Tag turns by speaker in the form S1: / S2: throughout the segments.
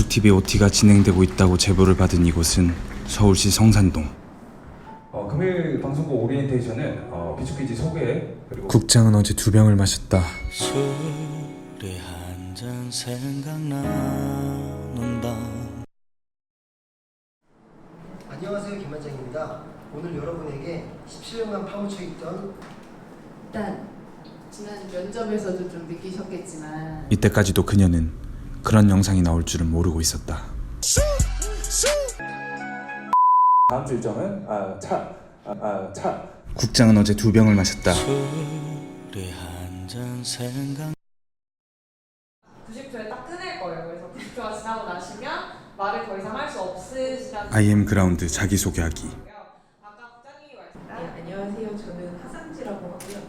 S1: CCTV OT가 진행되고 있다고 제보를 받은 이곳은 서울시 성산동.
S2: 금요일 방송국 오리엔테이션은 비추퀴즈 소개 그리고
S1: 국장은 어제 2병을 마셨다.
S3: 술이 한 잔 생각나는 밤.
S4: 안녕하세요, 김만장입니다. 오늘 여러분에게 17년간 파묻혀 있던
S5: 일단 지난 면접에서도 좀 느끼셨겠지만
S1: 이때까지도 그녀는 그런 영상이 나올 줄은 모르고 있었다.
S2: 다음 주 일정은 차.
S1: 국장은 어제 2병을 마셨다.
S3: 술이 한 잔 생각.
S6: 90초에 딱 끊을 거예요. 그래서 90초가 지나고 나시면 말을 더 이상 할 수 없으시다는.
S1: IM 그라운드 자기소개하기.
S6: 아까 국장님이
S5: 네,
S6: 말씀하신
S5: 안녕하세요. 저는 하상지라고 하고요.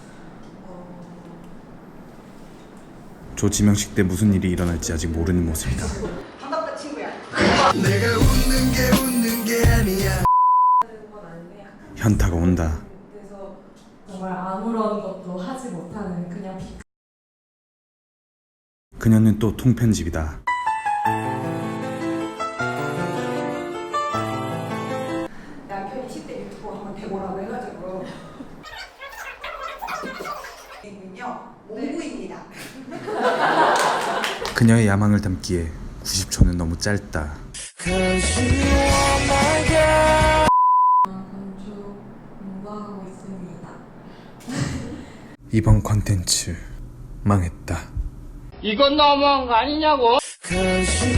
S1: 조지명식 때 무슨 일이 일어날지 아직 모르는 모습이다.
S6: 반갑다 친구야.
S4: 내가 웃는 게 아니야.
S1: 현타가 온다.
S6: 그래서 정말 아무런 것도 하지 못하는 그냥
S1: 그녀는 또 통편집이다.
S6: 남편이 10대 유튜버 한번 해보라고 해가지고. 이군요. 몽구입니다.
S1: 그녀의 야망을 담기에 90초는 너무 짧다.
S6: 건축 공부하고 있습니다.
S1: 이번 컨텐츠 망했다.
S7: 이건 너무한 거 아니냐고.
S3: Cause you